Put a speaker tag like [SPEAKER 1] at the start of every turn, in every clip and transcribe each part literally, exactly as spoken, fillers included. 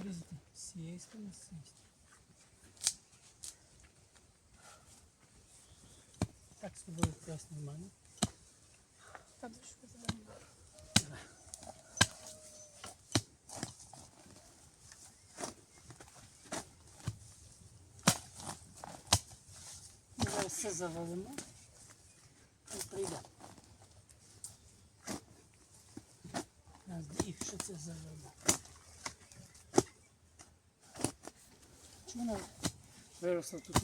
[SPEAKER 1] вирізати з цієї сторони, з цієї сторони. Так з тобою якраз нормально.
[SPEAKER 2] Там що зелено.
[SPEAKER 1] Ми зараз все завалимо і прийдемо. Раз, дві, що це завалимо. Чому вона виросла тут?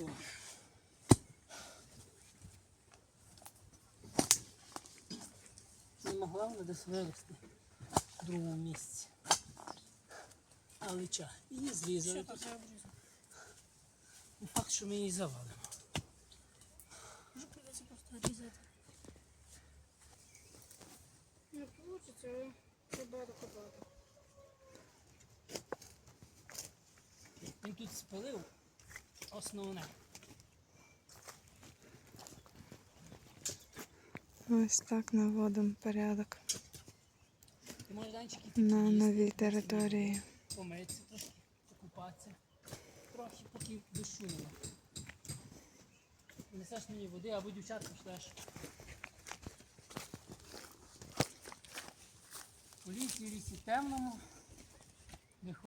[SPEAKER 1] Не могла вона десь вирости в другому місці. Але ча, її зрізали.
[SPEAKER 2] Що тут я обрізав?
[SPEAKER 1] Не факт, що ми її завалимо.
[SPEAKER 2] Може придеться просто різати. Не вийде, але треба докопати.
[SPEAKER 1] Він тут спалив основне.
[SPEAKER 3] Ось так наводимо порядок
[SPEAKER 1] Ти можеш данчики такі
[SPEAKER 3] на
[SPEAKER 1] їсти,
[SPEAKER 3] новій території.
[SPEAKER 1] помитися трошки, покупатися. Трохи поки дощу нема. Несеш мені води або дівчат пошлеш. У лісі, в лісі темному.